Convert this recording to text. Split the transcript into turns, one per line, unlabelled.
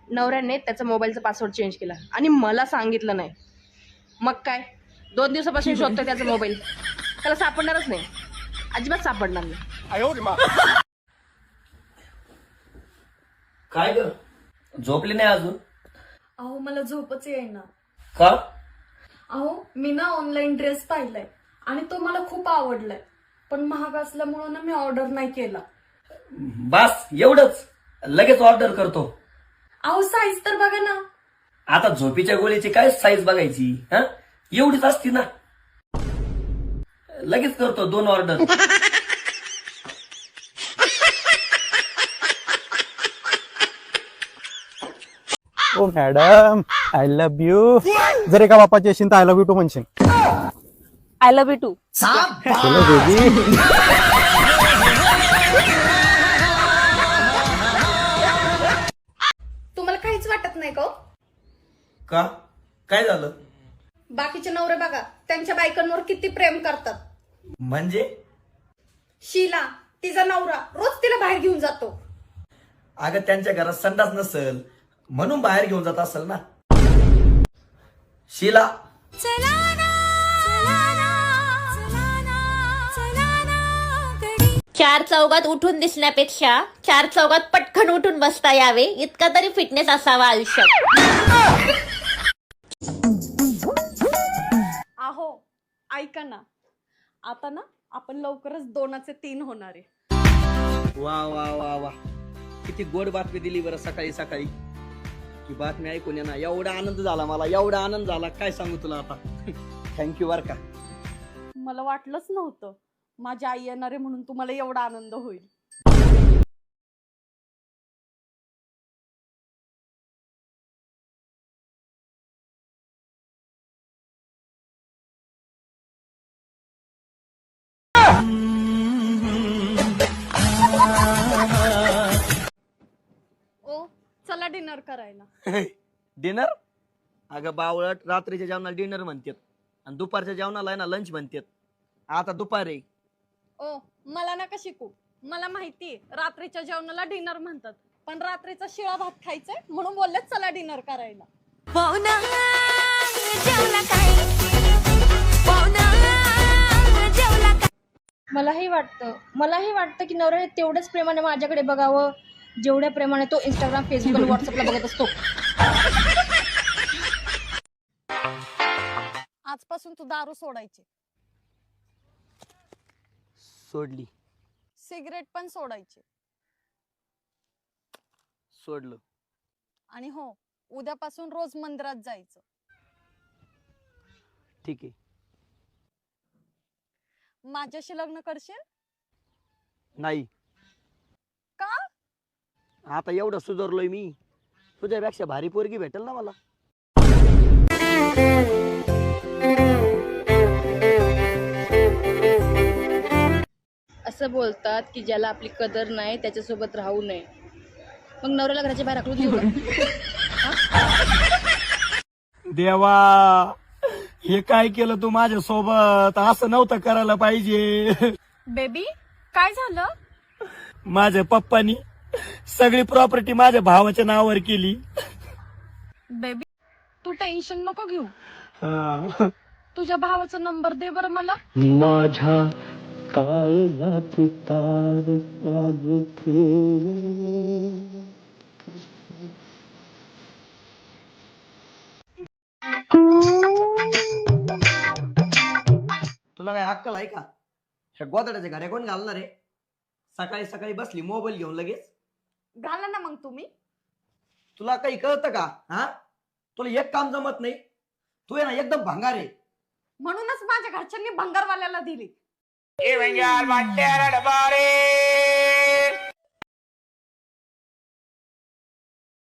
नवऱ्याने त्याचा मोबाईलचा पासवर्ड चेंज केला आणि मला सांगितलं नाही. मग काय 2 दिवसापासून शोधतोय त्याचा मोबाईल. त्याला सापडणारच नाही, अजिबात सापडणार नाही.
काय ग झोपली नाही अजून?
अहो मला झोपच येईना.
का?
अहो मी ना ऑनलाईन ड्रेस पाहिलाय आणि तो मला खूप आवडलाय, पण महाग असल्यामुळे ना मी ऑर्डर नाही केला.
बस एवढंच, लगेच ऑर्डर करतो.
अहो साईज तर बघा ना.
आता झोपीच्या गोळीची काय साईज बघायची? हा, एवढीच असती ना. लगेच करतो 2 order.
Oh madam, I love you. जर एका बापाची असेल तर आय लव्ह यू टू म्हणशील.
I love you too.
चलो बेबी.
तुम्हाला काहीच वाटत नाही का हो?
का? काय झालं?
बाकीचे नवरे बघा त्यांच्या बायकांवर किती प्रेम करतात.
म्हणजे?
शीला तिचा नवरा रोज तिला बाहेर घेऊन जातो.
अगं त्यांच्या घरात संडास नसल म्हणून बाहेर घेऊन जात असेल ना. शीला
चार चौघात उठून दिसण्यापेक्षा 4 चौघात पटकन उठून बसता यावे इतका तरी फिटनेस असावा आयुष्यात.
अहो ऐका ना, आता ना आपण लवकरच 2चे 3 होणार आहे.
वा वा वा वा, किती गोड बातमी दिली बरं सकाळी सकाळी. ही बातमी ऐकून ना एवढा आनंद झाला मला, एवढा आनंद झाला काय सांगू तुला आता. थँक्यू बर का.
मला वाटलंच नव्हतं माझी आई येणार आहे म्हणून तुम्हाला एवढा आनंद होईल. ओ चला डिनर करायला.
डिनर? अगं बावळट, रात्रीच्या जेवणाला डिनर म्हणतात आणि दुपारच्या जेवणाला आहे ना लंच म्हणतात. आता दुपारी.
ओ मला नका शिकू, मला माहिती रात्रीच्या जेवणाला डिनर म्हणतात, पण रात्रीचा शिळा भात खायचाय म्हणून बोलले चला डिनर करायला.
मलाही वाटतं की नवऱ्याने तेवढ्याच प्रेमाने माझ्याकडे बघावं जेवढ्या प्रेमाने तो इंस्टाग्राम, फेसबुक आणि व्हॉट्सअपला बघत असतो.
आजपासून तू दारू सोडायची,
सोडली.
सिगरेट पण सोडायची.
सोडलं.
आणि हो उद्यापासून रोज मंदिरात जायचं.
ठीक आहे.
माझ्याशी लग्न करशील?
नाही.
का?
आता एवढं सुधारलोय मी, तुझ्यापेक्षा भारी पोरगी भेटेल ना मला.
असं बोलतात की ज्याला आपली कदर नाही त्याच्यासोबत राहू नये. मग नवऱ्याला घराच्या बाहेर हाकलून देऊ का?
देवा, हे काय केलं तू माझ्या सोबत? असं नव्हतं करायला पाहिजे.
बेबी काय झालं?
माझ्या पप्पानी सगळी प्रॉपर्टी माझ्या भावाच्या नावावर केली.
बेबी तू टेन्शन नको घेऊ. तुझ्या भावाचा नंबर दे बरं मला.
माझ्या काळजात तार
तुला काय अक्कल आहे का? ह्या गोदड्याच्या घड्या कोण घालणार आहे? सकाळी सकाळी बसली मोबाईल घेऊन लगेच.
घाला ना मग तुम्ही.
तुला काही कळतं का? हा, तुला एक काम जमत नाही. तू आहे ना एकदम भंगार आहे.
म्हणूनच माझ्या घरच्यांनी भंगारवाल्याला दिली.
ये भंगार वाट्याला डबारे